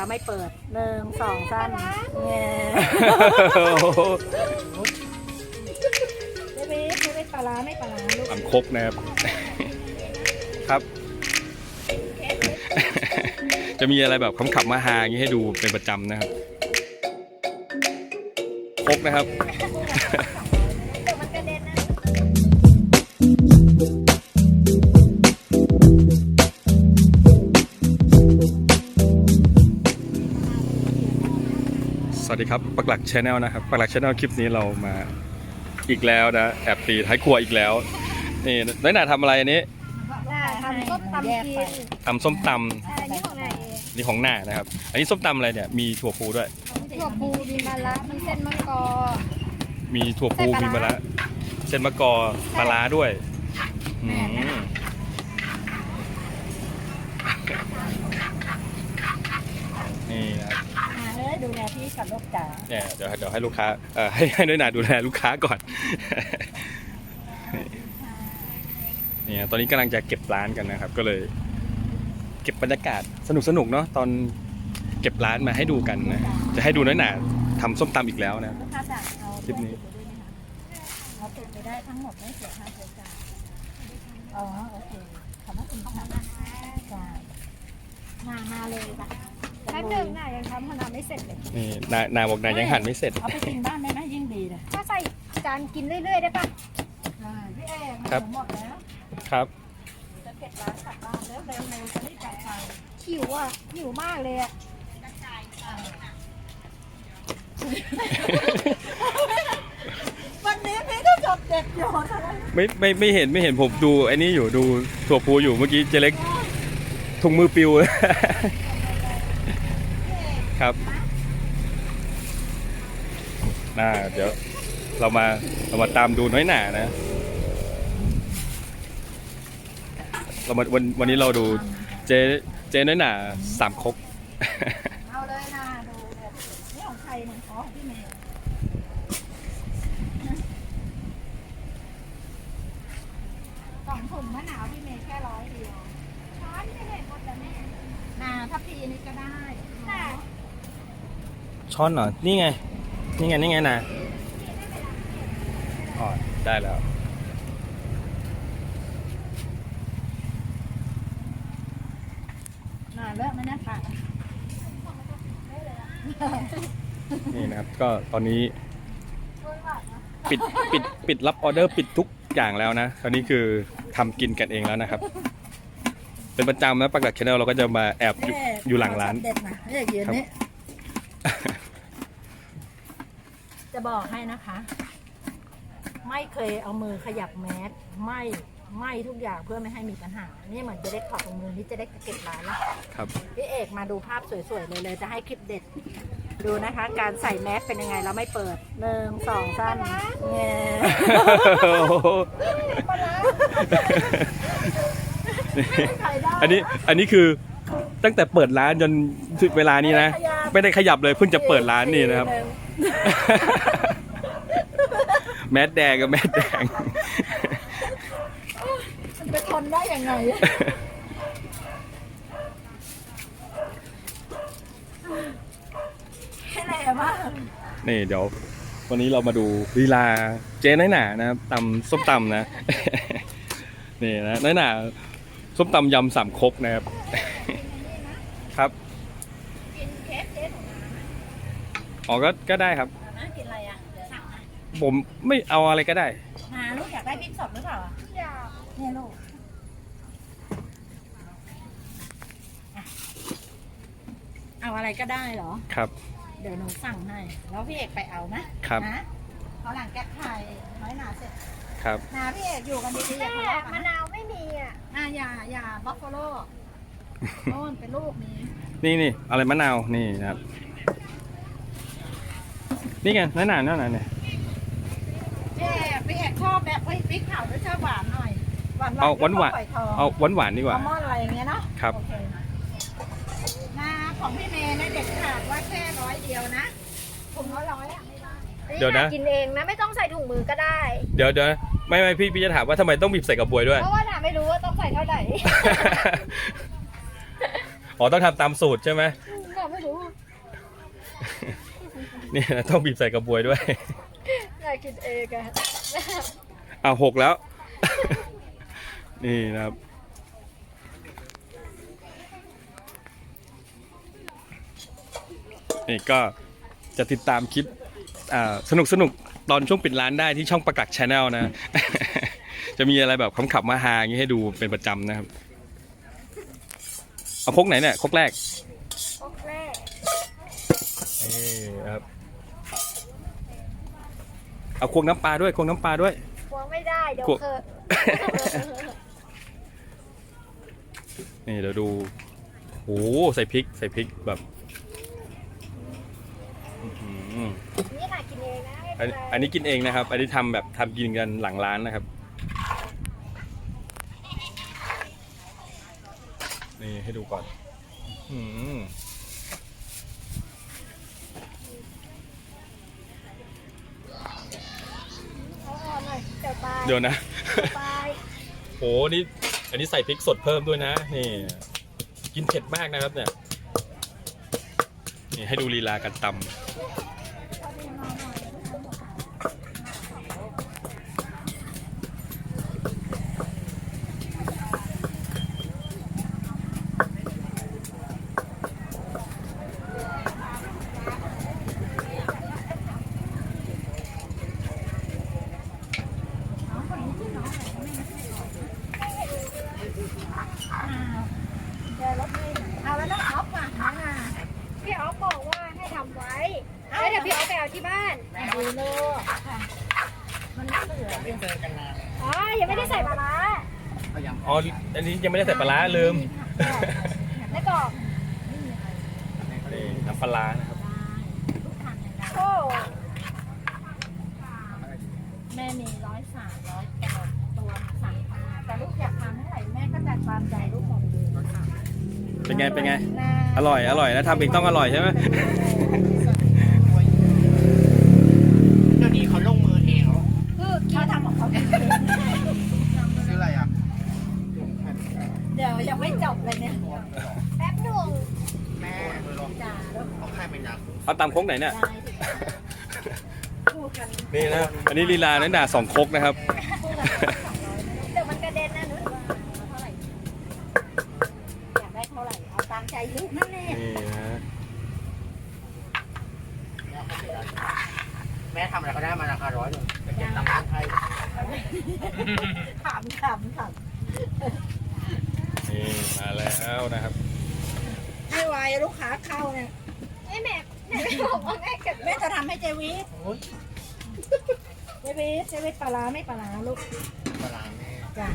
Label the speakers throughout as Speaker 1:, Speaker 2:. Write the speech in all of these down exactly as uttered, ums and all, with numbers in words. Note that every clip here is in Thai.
Speaker 1: เราไม่เปิดหนึ่งสองสามเงี้ยไม่ไม่ไม่ไม่ปลาร้าไม่ปลาร้าลูก
Speaker 2: ตำครกนะครับครับ จะมีอะไรแบบขำๆมาฮาอย่างนี้ให้ดูเป็นประจำนะครับครกนะครับสวัสดีครับปักหลัก Channel นะครับปักหลัก Channel คลิปนี้เรามาอีกแล้วนะแอบตีท้ายครัวอีกแล้วนี่น้อยหน่าทำอะไรอันนี้
Speaker 1: ทำส้มตำกิน
Speaker 2: ทำส้มต
Speaker 1: ใช่นี่ของไหน
Speaker 2: ำนี่ของหน้านะครับอันนี้ส้มตำอะไรเนี่ยมีถั่วพูด้วย
Speaker 1: ถั่วพูมีมะระมีเส้นมะกอ
Speaker 2: มีถั่วพูมีมะระเส้นมะกอปลาร้าด้วยอืมนี่นะครับ
Speaker 1: มาเลยดูแลพี่กับลูกจ๋า
Speaker 2: เนี่ยเดี๋ยวเดี๋ยวให้ลูกค้าเอ่อให้ให้น้อยหนาดูแลลูกค้าก่อน เนี่ยตอนนี้กำลังจะเก็บร้านกันนะครับก็เลยเก็บบรรยากาศสนุกสนุกเนาะตอนเก็บร้านมาให้ดูกันนะจะให้ดูน้อยหนาทำส้มตำอีกแล้วนะ
Speaker 1: ลูกค้าจ๋าเอา
Speaker 2: คลิปนี้
Speaker 1: เราติดไปได้ทั้งหมดไม่เสียค่าใช้จ่ายอ๋อโอเคขอบคุณค่ะจ้ามามาเลยจ้ะแป๊บนึงน่ะยังทำขนาดไม่เสร็จเลย
Speaker 2: นี่นานาบอกนายังหั่นไม่เสร็จ
Speaker 1: เอาไปกินบ้านได้ไหมยิ่งดีเลยถ้าใส่จานกินเรื่อยๆได้ปะพี่เอ๋หมดแล้ว
Speaker 2: ครับ
Speaker 1: จะเก็บร้านกลับบ้านแล้วเร็วๆจะรีบกลับไปหิวอ่ะหิวมากเลยอ่ะวันนี้พี่ก็จบเด็ดอยู่
Speaker 2: ไม่ไม่ไม่เห็นไม่เห็นผมดูไอ้นี่อยู่ดูถั่วพูอยู่เมื่อกี้เจเล็กถุงมือปิว ครับน่าเดี๋ยวเรามาเรามาตามดูน้อยหนานะเรามาวันวันนี้เราดูเจเจน้อยหนาสามครก
Speaker 1: เอาเลยนะดูเนี่ยนี่ของใครเนี่ยอ๋อของพี่เมย์สองถุงมะนาวพี่เมย์แค่ร้อยเดียวช้อนไม่เห็นหมดแล้วแม่นาทัพพีนี่ก็ได้ค่ะ
Speaker 2: ช้อนเหรอนี่ไงนี่ไงนี่ไงนะอ๋อได้แล้ว
Speaker 1: นาเลิกไหมนะค่ะ
Speaker 2: นี่นะครับก็ตอนนี้ปิดปิดปิดรับออเดอร์ปิดทุกอย่างแล้วนะตอนนี้คือทำกินกันเองแล้วนะครับเป็นประจำนะปักหลัก Channel เราก็จะมาแอบอยู่อยู่หลังร้าน
Speaker 1: เด็ดนะเรียกยืนนี่จะบอกให้นะคะ ไม่เคยเอามือขยับแมสไม่ไม่ทุกอย่างเพื่อไม่ให้มีปัญหานี่เหมือนจะได้ขอบตรงมือนี่จะได้เก็บร้านแล้ว
Speaker 2: ครับ
Speaker 1: พี่เอกมาดูภาพสวยๆเลยเลยจะให้คลิปเด็ดดูนะคะ การใส่แมสเป็นยังไงเราไม่เปิดหนึ่งสองสามเงี้ย
Speaker 2: อันนี้อันนี้คือตั้งแต่เปิดร้านจนถึงเวลานี้นะไม่ได้ขยับเลยเพิ่งจะเปิดร้านนี่นะครับ แมสแดงกับแมสแดง
Speaker 1: มันไปทนได้ยังไงแค่ไหนบ้าง
Speaker 2: นี่เดี๋ยววันนี้เรามาดูลีลาเจ๊น้อยหนานะครับตำส้มตำนะ นี่นะน้อยหนาส้มตำยำสามครกนะครับ ครับ
Speaker 1: กินเค้กเค้ก
Speaker 2: อ๋อก็ก็ได้ครับ
Speaker 1: นะกินอะไรอ่ะเดี๋ยวสั่งให้
Speaker 2: ผมไม่เอาอะไรก็ได้
Speaker 1: มาลูกอยากได้พริกสดหรือเปล่าอยากเนี่ยลูกเอาอะไรก็ได้เหรอ
Speaker 2: ครับ
Speaker 1: เดี๋ยวหนูสั่งให้แล้วพี่เอกไปเอานะครับ นะเขาหลังแก๊สไทยน้อยหนาเสร็จ
Speaker 2: ครับ
Speaker 1: นาพี่เอกอยู่กันดีๆอย่าทะเลาะกัน
Speaker 3: มะนาวไม่มีอ่ะ
Speaker 1: อ่ะอย่าอย่าบัฟฟาโลโน่นเป็นลูกนี้
Speaker 2: นี่นี่อะไรมะนาวนี่นะครับนี่ไงน้อยหนาน้อยหนาเนี่ย
Speaker 1: พี่เอกพี่เอกชอบแบบเฮ้ยพริกเผาด้วยชอบหวานหน่อยหวาน
Speaker 2: เอาหวานหวาน
Speaker 1: ฝอยทอง
Speaker 2: เอาหวานหวานดีกว่า
Speaker 1: อัลมอนด์อะไรอย่างเงี้ยเนาะ
Speaker 2: ครับ
Speaker 1: โอเคนาของพี่เมย์เนี่ยเด็ดขาดว่าแค่ร้อยเดียวนะถุงละร้อยอ่ะไม่ได้
Speaker 2: เดี๋ยวนะ
Speaker 3: กินเองนะ ไม่ต้องใส่ถุงมือก็ได้
Speaker 2: เดี๋ยวเดี๋ยวไม่ไม่พี่พี่จะถามว่าทำไมต้องบีบใส่กระบวยด้วย
Speaker 3: เพราะว่าหนาไม่รู้ว่าต้องใส่เท่าไหร่
Speaker 2: อ๋อต้องทำตามสูตรใช่ไหม
Speaker 3: หนาไไม่รู้
Speaker 2: นี่นะต้องบีบใส่กระบวยด้วย
Speaker 3: อยากกินเองอะ
Speaker 2: อ่าหกแล้ว นี่นะครับ นี่ก็จะติดตามคลิปอ่าสนุกสนุกตอนช่วงปิดร้านได้ที่ช่องประกักชาแนลนะ จะมีอะไรแบบขำขับมาฮาอย่างนี้ให้ดูเป็นประจำนะครับ เอาครกไหนเนี่ยครกแรก
Speaker 3: โอเค
Speaker 2: นี่ครับ เอาควงน้ำปลาด้วยควงน้ำปลาด้วย
Speaker 3: ควงไม่ได้เดี๋ยว
Speaker 2: ควง
Speaker 3: เธอ
Speaker 2: นี่เดี๋ยวดูโอ้โหใส่พริกใส่พริกแบบอื้อหือ
Speaker 3: นี่ค่ะกินเองนะ
Speaker 2: อันอันนี้กินเองนะครับ อันนี้ทำแบบทำกินกันหลังร้านนะครับ นี่ให้ดูก่อนอื้อหือ
Speaker 3: เอาออกหน่อยเดี๋ยวตาย
Speaker 2: เดี๋ยวนะ
Speaker 3: ตาย
Speaker 2: โหนี่อันนี้ใส่พริกสดเพิ่มด้วยนะนี่กินเผ็ดมากนะครับเนี่ยนี่ให้ดูลีลาการตำ
Speaker 1: เอาแล้วน้องออฟอ่ะน้องอ่ะ
Speaker 3: พี่ออฟบอกว่าให้ทำไว้แล้วเดี๋ยวพี่ออฟไปเอาที่บ้าน
Speaker 1: ดูโลกค่ะมันเหลือ
Speaker 3: อ๋อยังไม่ได้ใส่ปลาร้า
Speaker 2: อ๋ออันนี้ยังไม่ได้ใส่ปลาร้าลืม
Speaker 3: แล้วก็
Speaker 2: นี่น้ำปลาร้านะครับ
Speaker 1: ทุกทางอย่างนั้น
Speaker 3: โอ้
Speaker 1: แม่มีร้อยสามร้อยแปดตัวสั่งมาแต่ลูกอยากทานเท่าไหร่แม่ก็จัดตามใจลูกหมดเลยค่ะ
Speaker 2: เป็นไงเป็นไงอร่อยอร่อยแล้วทำเองต้องอร่อยใช่ไหม
Speaker 4: เดี๋ยวนี้เขาลงมือเองเหรอ
Speaker 1: คือเขาทำของเขาเอง
Speaker 4: ซื้ออะไรอ่ะ
Speaker 1: เดี๋ยวยังไม่จบเลยเนี่ย
Speaker 3: แป๊บหนึ่ง
Speaker 4: แม่มือลอง
Speaker 1: จ่าแล้ว
Speaker 4: เขาใครเป็นยักษ์
Speaker 2: เอาตำโค้งไหนเนี่ย
Speaker 1: ได้สิพูดกัน
Speaker 2: นี่นะอันนี้ลีลาเน้นด่าสองครกนะครับ
Speaker 1: พูดกันสองร้อยนะลูก
Speaker 3: เดี๋ยวมันกระเด็นนะนุ้ย
Speaker 1: ว่าเอาเท่าไหร่อยากได้เท่าไหร่เอาตามใจลูกนั่นแหละ
Speaker 2: นี่นะ
Speaker 4: แม่ทำอะไรก็ได้มาราคาร้อยหนึ่งไปเก็บตังค์ให้
Speaker 1: ขำขำขำ
Speaker 2: นี่มาแล้วนะครับ
Speaker 1: ให้ไวลูกค้าเข้าเนี่ย
Speaker 3: ไอ้แม่แม่ไม่บอกว่าแม่เก็บ
Speaker 1: แม่จะทำให้เจวิส
Speaker 4: โอ้ย
Speaker 1: เจวิสเจวิสปลาร้าไม่ปลาร้าลูก
Speaker 4: ปลาร้าแม่
Speaker 1: จ้ะ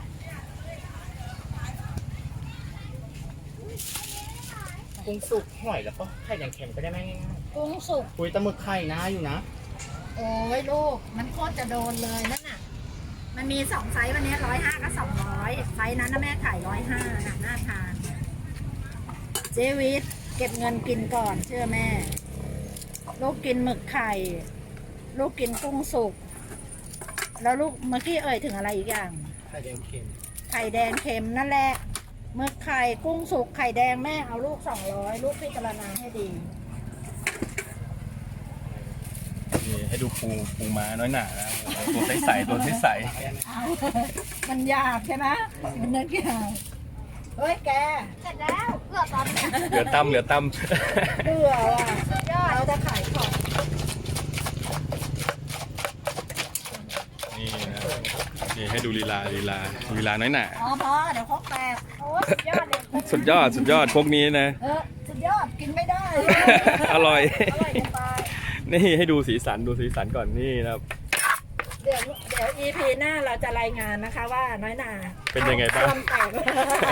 Speaker 4: กุ้งสุกหอยแล้วก็ไข่แดงเค็มก็ได้แม่ง่าย
Speaker 1: กุ้งสุก
Speaker 4: ๆคุยตะหมึกไข่นะอยู่นะ
Speaker 1: โอ้ยลูกมันโคตรจะโดนเลยนั่นน่ะมันมีสองไซส์วันนี้ร้อยห้ากับสองร้อยไซส์นั้นนะแม่ขายร้อยห้าน่ะน่าทานเจวิสเก็บเงินกินก่อนเชื่อแม่ ลูกกินหมึกไข่ ลูกกินกุ้งสุก แล้วลูกเมื่อกี้เอ่ยถึงอะไรอีกอย่าง
Speaker 4: ไข่แดงเค็ม
Speaker 1: ไข่แดงเค็มนั่นแหละหมึกไข่กุ้งสุกไข่แดงแม่เอาลูกสองร้อยลูกพิจารณาให้ดี
Speaker 2: นี่ให้ดูปูปูม้าน้อยหนานะตัวใสๆตัวใส
Speaker 1: เอามันยากใช่ไหมมันนึกยากเฮ้ยแก
Speaker 3: เสร็จแล้วเกือบตอนนี้
Speaker 2: ๆเหลือตำเหลือต
Speaker 1: เบื่อว่ะเราจะขายของ
Speaker 2: ำนี่นะนี่ให้ดูลีลาลีลาลีลาน้อยหนา
Speaker 1: อ๋อพอเดี๋ยวครกแตก
Speaker 3: โอ้ยสุดยอดเลย
Speaker 2: สุดยอดสุดยอดพวกนี้นะ
Speaker 1: เออสุดยอดกินไม่ได้
Speaker 2: อร่อย
Speaker 1: อร่อยจะตาย
Speaker 2: นี่ให้ดูสีสันดูสีสันก่อนนี่นะครับ
Speaker 1: เดี๋ยวเดี๋ยว อี พี หน้าเราจะรายงานนะคะว่าน้อยหนา
Speaker 2: เป็นยังไงบ้าง
Speaker 1: ควมแตก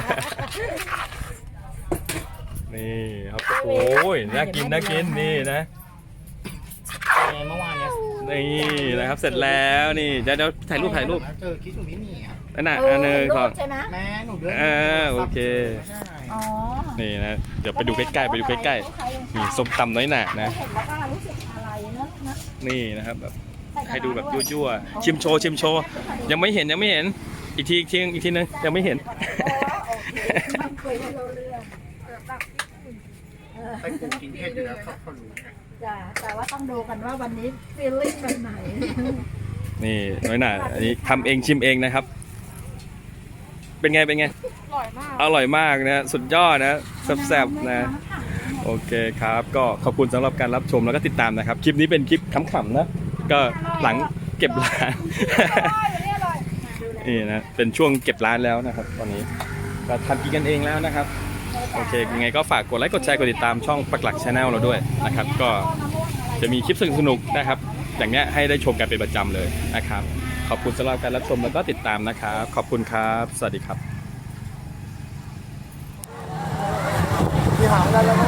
Speaker 2: นี่ครับโอ้ยน่ากินน่ากินนี่นะ
Speaker 4: ไงเมื่อวานเนี้ย
Speaker 2: นี่นะครับเสร็จแล้วนี่เดี๋ยวเดี๋ยวถ่ายรูปถ่ายรูป
Speaker 4: เจอคิดอยู่ไม่มีอ่ะ
Speaker 2: นั่นน่ะ
Speaker 1: เออ
Speaker 2: อันหนึง
Speaker 1: รู
Speaker 2: ก่อ
Speaker 1: ป
Speaker 2: น
Speaker 1: ใช่ไหม
Speaker 4: แม่หนูเดิน
Speaker 2: อ่าโอเค
Speaker 4: ใช่
Speaker 1: อ๋อ
Speaker 2: นี่นะเดี๋ยวไปดูใกล้ๆไปดูใกล้ๆนี่ส้มตำน้อยหนานะ
Speaker 1: เห็นแล้วก็รู้สึกอะไรเนอะนะ
Speaker 2: นี่นะครับแบบให้ดูแบบยั่วๆชิมโชว์ชิมโชว์ยังไม่เห็นยังไม่เห็นอีกทีอีกทีอีกทีนึงยังไม่เห็น
Speaker 1: โอ้โอเคมันคุยไม่รู้เรื่องเออแบบเออ
Speaker 4: ไปปลูกกินเผ็ดอยู่แล้วเขาเขารู้
Speaker 1: จ้ะแต่ว่าต้องดูกันว่าวันนี้ฟีลลิ่งแบบไหน
Speaker 2: นี่น้อยหน่าอันนี้ทำเองชิมเองนะครับ เป็นไงเป็นไง
Speaker 3: อร่อยมาก
Speaker 2: อร่อยมากนะสุดยอดนะแซ่บๆนะโอเคครับ ก็ขอบคุณสำหรับการรับชมแล้วก็ติดตามนะครับ คลิปนี้เป็นคลิปขำๆนะก็หลังเก็บร้าน นี่นะเป็นช่วงเก็บร้านแล้วนะครับ ตอนนี้ก็ทำกินกันเองแล้วนะครับโอเคยังไงก็ฝากกดไลค์กดแชร์กดติดตามช่องปักหลักชาแนลเราด้วยนะครับ ก็จะมีคลิปสนุกๆนะครับ อย่างเนี้ยให้ได้ชมกันเป็นประจำเลยนะครับ ขอบคุณสำหรับการรับชมแล้วก็ติดตามนะครับ ขอบคุณครับสวัสดีครับ
Speaker 4: พี่หาได้แล้ว